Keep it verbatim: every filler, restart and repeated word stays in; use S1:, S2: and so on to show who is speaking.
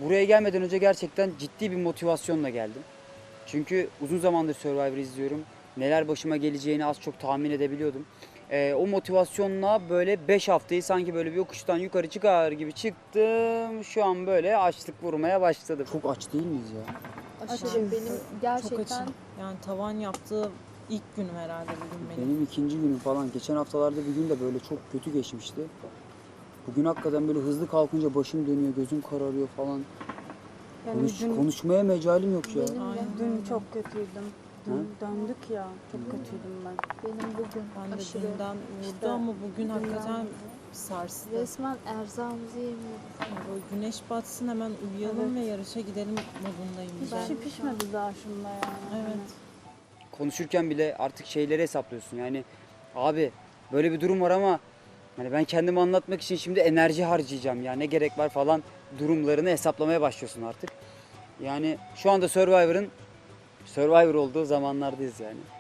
S1: buraya gelmeden önce gerçekten ciddi bir motivasyonla geldim. Çünkü uzun zamandır Survivor izliyorum. Neler başıma geleceğini az çok tahmin edebiliyordum. Ee, o motivasyonla böyle beş haftayı sanki böyle bir yokuştan yukarı çıkar gibi çıktım. Şu an böyle açlık vurmaya başladı. Çok aç değil miyiz ya?
S2: Aşırı
S3: Açım.
S2: benim
S3: Çok
S2: gerçekten
S3: açım. Yani tavan yaptığı ilk günüm herhalde bugün benim.
S1: Benim ikinci günüm falan. Geçen haftalarda bir gün de böyle çok kötü geçmişti. Bugün hakikaten böyle hızlı kalkınca başım dönüyor, gözüm kararıyor falan.
S4: Yani
S1: Konuş,
S4: dün,
S1: konuşmaya mecalim yok ya.
S2: benim de
S3: Aynen.
S4: dün çok kötüydüm. Dün döndük ya. Çok kötüydüm ben.
S2: benim bugün
S3: Ben de
S2: aşırı
S3: dünden vurdu
S4: İşte
S3: ama bugün
S4: dünden
S3: hakikaten
S4: vurdu.
S3: sarstı.
S2: resmen erzağımızı yemiyoruz.
S3: Yani böyle güneş batsın hemen uyuyalım ve yarışa gidelim modundayım.
S4: Hiçbir
S3: ben.
S4: şey pişmedi daha şunda yani.
S3: Evet.
S1: Konuşurken bile artık şeyleri hesaplıyorsun. Yani abi böyle bir durum var ama hani ben kendimi anlatmak için şimdi enerji harcayacağım ya ne gerek var falan durumlarını hesaplamaya başlıyorsun artık. Yani şu anda Survivor'ın Survivor olduğu zamanlardayız yani.